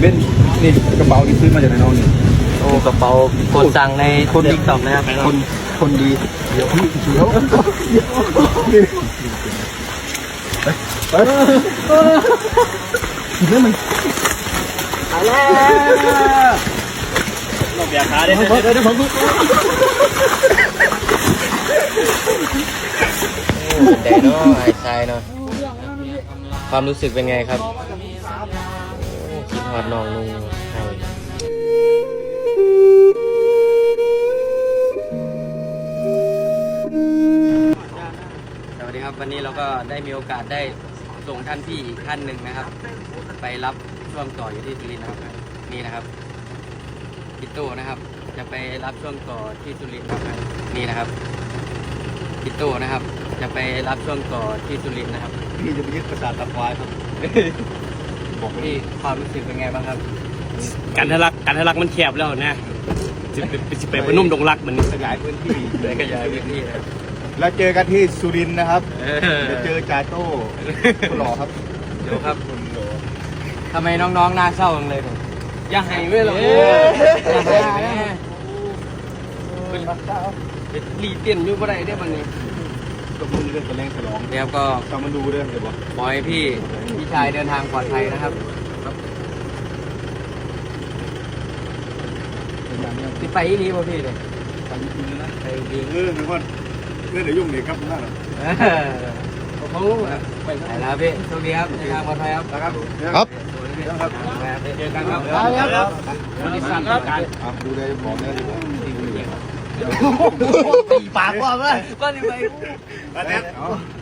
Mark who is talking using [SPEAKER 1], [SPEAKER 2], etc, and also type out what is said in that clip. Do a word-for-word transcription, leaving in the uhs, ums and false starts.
[SPEAKER 1] เบนนี่กระเป๋าที่ซื้อมาจากไหนน้องนี่
[SPEAKER 2] โอ้กระเป๋ากดสั่งในคนติ๊กต็อกนะครับคนคนดีเดี๋ยวพี่เดี๋ยว
[SPEAKER 1] ไปไปกินได้ไหมไปแล้วเราเบียร์ขาได้เดี๋ยวเดี๋ยวผม
[SPEAKER 2] แต่เนาะไอ้ชายเนาะความรู้สึกเป็นไงครับคิดฮอดน้องนุ่งให้สวัสดีครับวันนี้เราก็ได้มีโอกาสได้ส่งท่านพี่อีกท่านหนึ่งนะครับไปรับช่วงต่ออยู่ที่สุรินทร์นะครับนี่นะครับพี่โต้นะครับจะไปรับช่วงต่อที่สุรินทร์นะครับนี่นะครับพี่โต้นะครับจะไปรับช่วงต่อที่สุรินทร์นะครับ
[SPEAKER 1] พี่จะไปยึดประสาทตะควายครับ
[SPEAKER 2] บอกพี่ความรู้สึกเป็นไงบ้างครับ
[SPEAKER 3] การทะลักการทะลักมันแคบแล้วนะจะไปจะไปพนุ่มดงรักมัน
[SPEAKER 1] ขยายพื้นที่
[SPEAKER 2] เลยขยายพื้นที่นะ
[SPEAKER 1] แล้วเจอกันที่สุรินทร์นะครับจะเจอจ่าโต้คนหล่อครับ
[SPEAKER 2] เดี๋ยวครับทำไมน้องๆหน้าเศร้าจังเลยผมอย่าให้เว้ยหรอกอย่าให้แม่เป็นรีเต้นอยู่บ่ได้ได้บัดนี้
[SPEAKER 1] ก็มือเรื่องแสดงฉลอง
[SPEAKER 2] เดี๋ยวก็
[SPEAKER 1] ตามมาดูเรื่องเดี๋ยวบอก
[SPEAKER 2] ปล่อยพี่พี่ชายเดินทางปลอดภัยนะครับที่ไปอีหลีป่ะพี่เลย
[SPEAKER 1] ไปจริงๆนะ
[SPEAKER 2] ไปดี
[SPEAKER 1] เออทุกคนเรื่องเดี๋ยวยุ่งเด็กครับนั่นแหละ
[SPEAKER 2] เขาไปแล้วพี่โชคดีครับในทางปลอดภัยครับ
[SPEAKER 1] นะครับ
[SPEAKER 2] ครับเจอกันครับครับวันนี้สั่งครับ
[SPEAKER 1] ดูเลยบอกเนี่ยดีกว่า
[SPEAKER 2] ตีปากว่าเว้ยก็นี่ไป
[SPEAKER 1] แล้ว